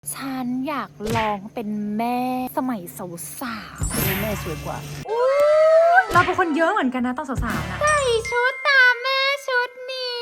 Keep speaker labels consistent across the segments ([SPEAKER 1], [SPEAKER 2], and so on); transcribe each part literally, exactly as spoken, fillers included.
[SPEAKER 1] ฉันอยากลองเป็นแม่สมัยสาวๆ
[SPEAKER 2] แม่สวยกว่า
[SPEAKER 3] เราเป็นคนเยอะเหมือนกันนะตอนสาวๆนะ
[SPEAKER 1] ใส่ชุดตามแม่ชุดนี้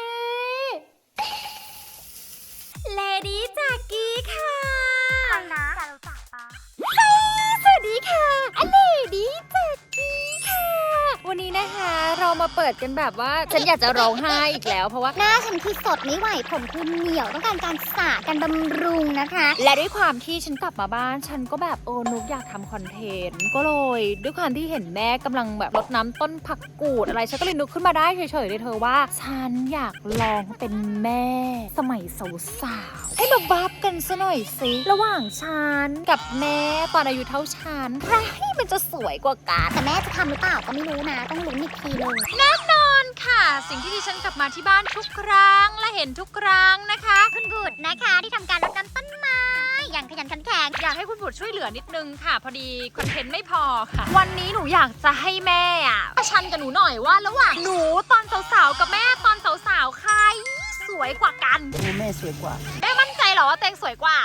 [SPEAKER 1] เลดี้จากกี้ค่ะอะไรนะจะรู้จักปะสวัสดีค่ะอเลดี้จากกี้ค่ะ วันนี้นะคะเรามาเปิดกันแบบว่าฉันอยากจะร้องไห้อีกแล้วเพราะว่า
[SPEAKER 4] หน้าฉันคือสดไม่ไหวผมคือเหนียวต้องการการสระการบำรุงนะคะ
[SPEAKER 1] และด้วยความที่ฉันกลับมาบ้านฉันก็แบบโอ้นุกอยากทำคอนเทนต์ก็เลยด้วยความที่เห็นแม่กำลังแบบรดน้ำต้นผักกูดอะไรฉันก็เลยนึกขึ้นมาได้เฉยๆเลยเธอว่าฉันอยากลองเป็นแม่สมัยสาวๆให้มาบัฟกันซะหน่อยสิระหว่างฉันกับแม่ตอนอายุเท่าฉันใครมันจะสวยกว่ากัน
[SPEAKER 4] แต่แม่จะทำหรือเปล่าก็ไม่รู้นะ ต้องลุ้นอีกทีเลย
[SPEAKER 1] แน่นอนค่ะสิ่งที่ดิฉันกลับมาที่บ้านทุกครั้งและเห็นทุกครั้งนะคะ
[SPEAKER 4] คุณกูดนะคะที่ทำการรดน้ำต้นไม้อย่างขยันขันแข็ง
[SPEAKER 1] อยากให้คุณบุตรช่วยเหลือนิดนึงค่ะ พอดีคอนเทนต์ไม่พอค่ะ วันนี้หนูอยากจะให้แม่อะประชันกับหนูหน่อยว่าระหว่างหนูตอนสาวๆกับแม่ตอนสาวๆใครสวยกว่ากัน
[SPEAKER 2] แม่สวยกว่า
[SPEAKER 1] แม่มั่นใจเหรอว่าตัวเองสวยกว่า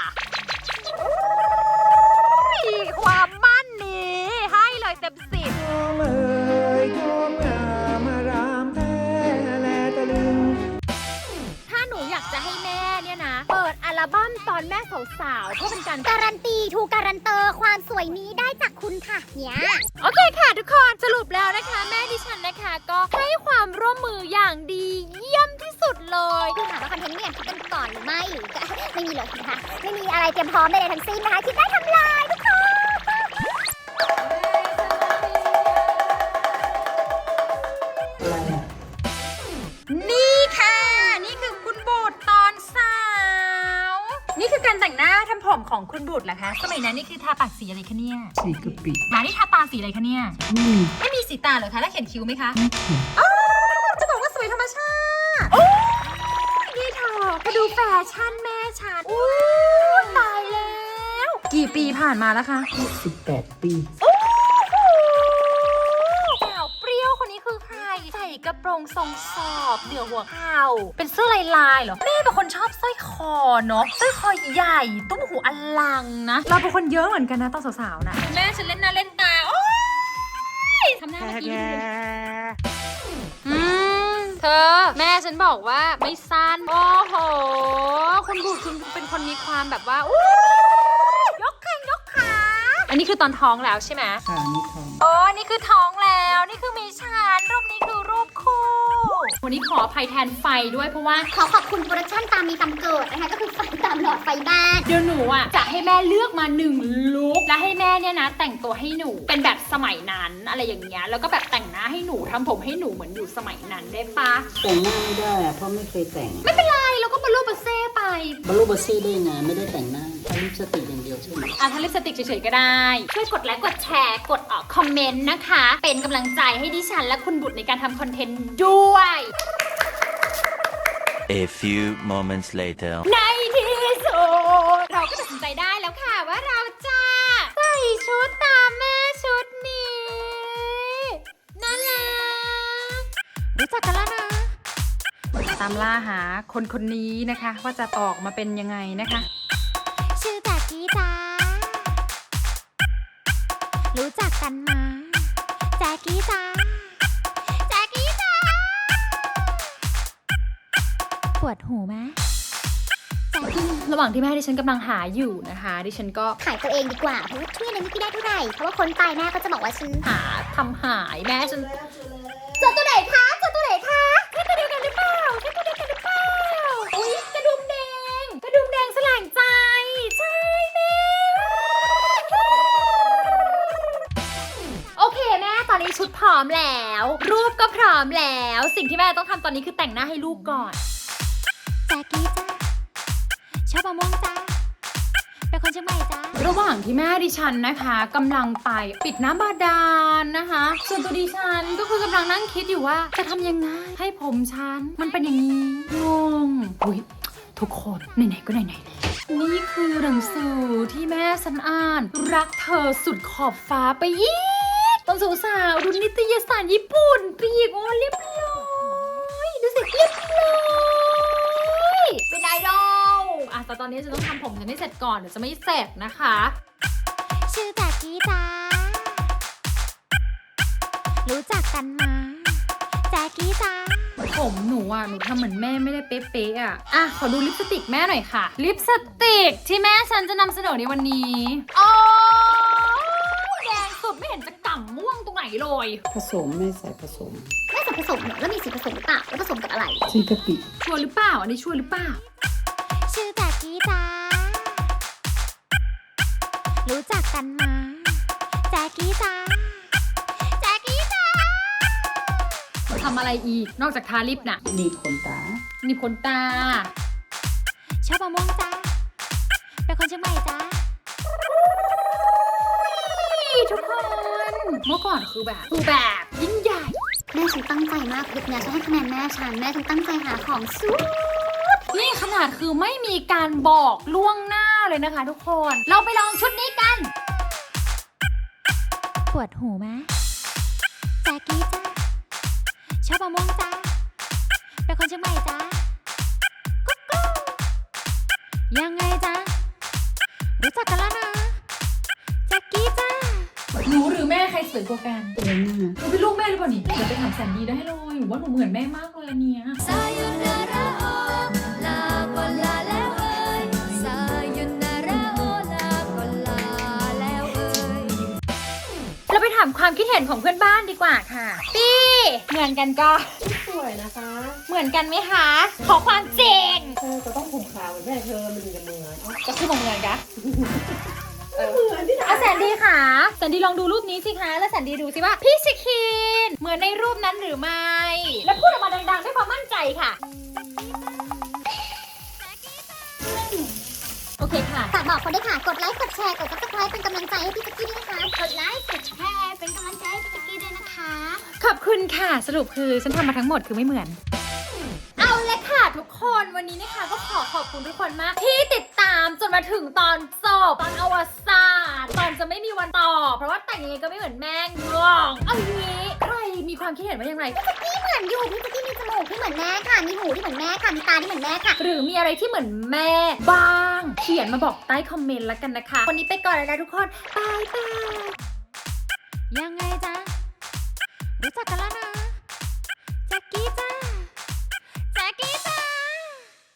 [SPEAKER 1] ความมั่นนี้ให้เลยเต็มสิบ
[SPEAKER 2] เอ่ยโยมงามารามแท้แลตะลึง
[SPEAKER 1] ถ้าหนูอยากจะให้แม่เนี่ยนะเปิดอัลบั้มตอนแม่สาวๆเพื่อเป็นการ
[SPEAKER 4] การันตีถูกการันเตอร์ความสวยนี้ได้จากคุณค่ะเนี่ย
[SPEAKER 1] โอเคค่ะทุกคนสรุปแล้วนะคะแม่ดิฉันนะคะก็ให้ความร่วมมืออย่างดีเยี่ยมที่สุดเลย
[SPEAKER 4] คือถามว่าคอนเทนต์นี้เนี่ยคิดกันก่อนหรือไม่หรือจะไม่มีเลยนะคะไม่มีอะไรเตรียมพร้อมใดๆทั้งสิ้นนะคะคิดได้ทำลายทุกคน
[SPEAKER 1] นี่ค่ะ นี่คือคุณบุตรตอนสาว นี่คือการแต่งหน้าทำผมของคุณบุตรเหรอคะสมัยนั้นนี่คือทาปากสีอะไรคะเนี่ย
[SPEAKER 2] สีกะปิ
[SPEAKER 1] หมานี่ทาตาสีอะไรคะเนี่ย
[SPEAKER 2] ไม่มี
[SPEAKER 1] ไม่มีสีตาเหรอคะแล้วเขียนคิ้วไหมคะ
[SPEAKER 2] ไม่เขียน
[SPEAKER 1] จะบอกว่าสวยธรรมชาติโอ้ยนี่เธอมาดูแฟชั่นแม่ฉันโอ้ยตายแล้ว
[SPEAKER 3] กี่ปีผ่านมาแล้วคะ
[SPEAKER 2] สิบแปดปี
[SPEAKER 1] สาวเปรี้ยวคนนี้คือใคร ใส่กระโปรงทรงสอบเหนือหัวเข่าเป็นเสื้อลายลายๆเหรอแม่เป็นคนชอบสร้อยคอเนาะสร้อยคอใหญ่ตุ้มหูอลังนะ
[SPEAKER 3] เราเป็นคนเยอะเหมือนกันนะตอนสาวๆนะ
[SPEAKER 1] แม่ฉันเล่นหน้าเล่นตาโอ้ยทำหน้าเมื่อกี้ดูดิอืมเธอแม่ฉันบอกว่าไม่สั้นโอ้โหคุณบุตรคุณเป็นคนมีความแบบว่าอู้ยกแข้งยกขาอันนี้คือตอนท้องแล้วใช่ไหม
[SPEAKER 2] ขานี่ทอง
[SPEAKER 1] โอ้นี่คือท้องแล้ว นี่คือมีฉันรูปนี้คือรูปคู่ วันนี้ขออภัยแทนไฟด้วยเพราะว่า
[SPEAKER 4] ขอขอบคุณโปรดักชั่นตามมีตามเกิดนะคะก็คือไฟตามหลอดไฟบ้าน
[SPEAKER 1] เดี๋ยวหนูอ่ะจะให้แม่เลือกมาหนึ่งลุคและให้แม่เนี่ยนะ แต่งตัวให้หนูเป็นแบบสมัยนั้นอะไรอย่างเงี้ยแล้วก็แบบแต่งหน้าให้หนูทำผมให้หนูเหมือนอยู่สมัยนั้นได้ปะ
[SPEAKER 2] แต่งหน้าไม่ได้อะเพราะไม่เคยแต่ง
[SPEAKER 1] ไม่เป็นไรเราก็บรรลุบัสเซ่ไป
[SPEAKER 2] บารูบาซี่ได้ไงไม่ได้แต่งหน้าทาลิปสติกอย่างเดียวใช่ไหม
[SPEAKER 1] อ่ะถ้าลิปสติกเฉยๆก็ได้ ช่วยกดไลค์กดแชร์กดออกคอมเมนต์นะคะ เป็นกำลังใจให้ดิฉันและคุณบุตรในการทำคอนเทนต์ด้วย
[SPEAKER 5] A few moments later.
[SPEAKER 1] ในที่สุดเราก็ตัดสินใจได้แล้วค่ะว่าเราจะใส่ชุดตามแม่ชุดนี้น่ารักรู้จักกันแล้วนะ
[SPEAKER 3] ตามล่าหาคนคนนี้นะคะ ว่าจะออกมาเป็นยังไงนะคะ
[SPEAKER 4] ชื่อแจ็กกี้จ้ารู้จักกันมาแจ็กกี้จ้าแจ็กกี้จ้าปวดหูไหมแจ็กกี้
[SPEAKER 1] ระหว่างที่แม่ดิฉันกำลังหาอยู่นะคะ ดิฉันก็
[SPEAKER 4] ขายตัวเองดีกว่าเพราะว่าช่วยอะไรไม่ได้เท่าไหร่เพราะว่าคนตายแม่ก็จะบอกว่าฉัน
[SPEAKER 1] หาทำหายแม่ฉันเจอตัวไหนคะเจอตัวไหนคะใช่ตัวเดียวกันหรือเปล่าใช่ตัวเดียวกันหรือเปล่าอุ๊ยกระดุมแดงกระดุมแดงแสลงใจใช่แม่โอเคแม่ตอนนี้ชุดพร้อมแล้ว รูปก็พร้อมแล้ว สิ่งที่แม่ต้องทำตอนนี้คือแต่งหน้าให้ลูกก่อน
[SPEAKER 4] แจ็กกี้จ้าชอบมะม่วงจ้าเป็นคนเชียงใหม่จ้า
[SPEAKER 1] ระหว่างที่แม่ดิฉันนะคะกำลังไปปิดน้ำบาดาลนะคะ ส่วนตัวดิฉันก็คือกำลังนั่งคิดอยู่ว่าจะทำยังไงให้ผมฉันมันเป็นอย่างนี้งงอุ้ยทุกคนไหนๆก็ไหนๆนี่คือหนังสือที่แม่ฉันอ่าน รักเธอสุดขอบฟ้าไปอีกตอนสาวๆดูนิตยสารญี่ปุ่นปีกโอ้เรียบร้อยดูสิเรียบร้อยเป็นไอดอลอ่ะแต่ตอนนี้จะต้องทำผมฉันให้เสร็จก่อนเดี๋ยวจะไม่เสร็จนะคะ
[SPEAKER 4] ชื่อแจ็กกี้จ้ารู้จักกันมาแจ็กกี้จ้า
[SPEAKER 1] ผมหนูอ่ะหนูทำเหมือนแม่ไม่ได้เป๊ะๆอ่ะอ่ะขอดูลิปสติกแม่หน่อยค่ะ ลิปสติกที่แม่ฉันจะนำเสนอในวันนี้โอ้แดงสุดไม่เห็นจะก่ำม่วงตรงไหนเลย
[SPEAKER 6] ผสมไม่ใส่ผสม
[SPEAKER 4] ไม่ใส่ผสมเหรอแล้วมีสีผสมหรือเปล่าแล้วผสมกับอะไร
[SPEAKER 6] ซีกะปิ
[SPEAKER 1] ชัวร์หรือเปล่าอันนี้ชัวร์หรือเปล่า
[SPEAKER 4] ชื่อแจ็กกี้จ้ารู้จักกันมาแจ็กกี้จ้าแจ็กกี้จ้า
[SPEAKER 1] ทำอะไรอีกนอกจากทาลิปน่ะ
[SPEAKER 6] หนีบขนตา
[SPEAKER 1] หนีบขนตา
[SPEAKER 4] ชอบมะม่วงจ้าเป็นคนเชียงใหม่จ้า
[SPEAKER 1] ทุกคนเมื่อก่อนคือแบบคือแบบยิ่งใหญ่
[SPEAKER 4] แม่ฉันตั้งใจมากคลิปเนี้ยฉันให้คะแนนแม่ฉันแม่ฉันตั้งใจหาของสู้
[SPEAKER 1] นี่ขนาดคือไม่มีการบอกล่วงหน้าเลยนะคะทุกคน เราไปลองชุดนี้กัน
[SPEAKER 4] ปวดหูไหมแจ็กกี้จ้าชอบมะม่วงจ้าเป็นคนเชียงใหม่จ้ากุ๊กกุ๊กยังไงจ้ารู้จักกันแล้วนะแจ็กกี้จ้า
[SPEAKER 1] หนูหรือแม่ใครสวยกว่ากัน
[SPEAKER 6] เองนะ
[SPEAKER 1] หนูเป็นลูกแม่หรือเปล่านี่เดี๋ยวไปถามแสนดีได้เลยหนูว่าหนูเหมือนแม่มากเลยอันเนี้ย
[SPEAKER 4] Sayonara oh laก็ลาแล้วเอ่ย Sayonara oh laก็ลาแล้วเอ่ย
[SPEAKER 1] เราไปถามความคิดเห็นของเพื่อนบ้านดีกว่าค่ะปี้เหมือนกันก็
[SPEAKER 6] สวยนะคะ
[SPEAKER 1] เหมือนกันไหมคะขอความจริง
[SPEAKER 6] เธอจะต้องผมขาวเหมือนแม่เธอมันถึงจะเหมือน
[SPEAKER 1] ก็คือเหมือนกัน
[SPEAKER 6] เหมือนที่ไหน
[SPEAKER 1] อ่ะแสนดีค่ะแสนดีลองดูรูปนี้สิคะแล้วแสนดีดูสิว่าพี่ชิคินเหมือนในรูปนั้นหรือไม่ แล้วพูดออกมาดังๆด้วยความมั่นใจค่ะ โอเคค่ะ
[SPEAKER 4] ฝากบอกคนด้วยค่ะ กดไลค์ กดแชร์ กด ซับสไครบ์ เป็นกำลังใจให้พี่แจ็กกี้ด้วยนะคะ กดไลค์ กดแชร์ เป็นกำลังใจให้พี่แจ็กกี้ด้วยนะคะ
[SPEAKER 1] ขอบคุณค่ะ สรุปคือฉันทำมาทั้งหมดคือไม่เหมือน เอาเลยค่ะทุกคนวันนี้นะคะก็ขอขอบคุณทุกคนมาก ที่ติดตามจนมาถึงตอนจบตอนอวสานตอนจะไม่มีวันต่อ เพราะว่าแต่งยังไงก็ไม่เหมือนแม่งงเอางี้ใครมีความคิดเห็นว่าอย่างไร
[SPEAKER 4] พี่เหมือนอยู่ พี่แจ็กกี้มีจมูกที่เหมือนแม่ค่ะ มีหูที่เหมือนแม่ค่ะ มีตาที่เหมือนแม่ค่ะ
[SPEAKER 1] หรือมีอะไรที่เหมือนแม่บ้าง เขียนมาบอกใต้คอมเมนต์แล้วกันนะคะ วันนี้ไปก่อนแล้วนะทุกคนบายบาย
[SPEAKER 4] ยังไงจ๊ะ รู้จักกันแล้วนะ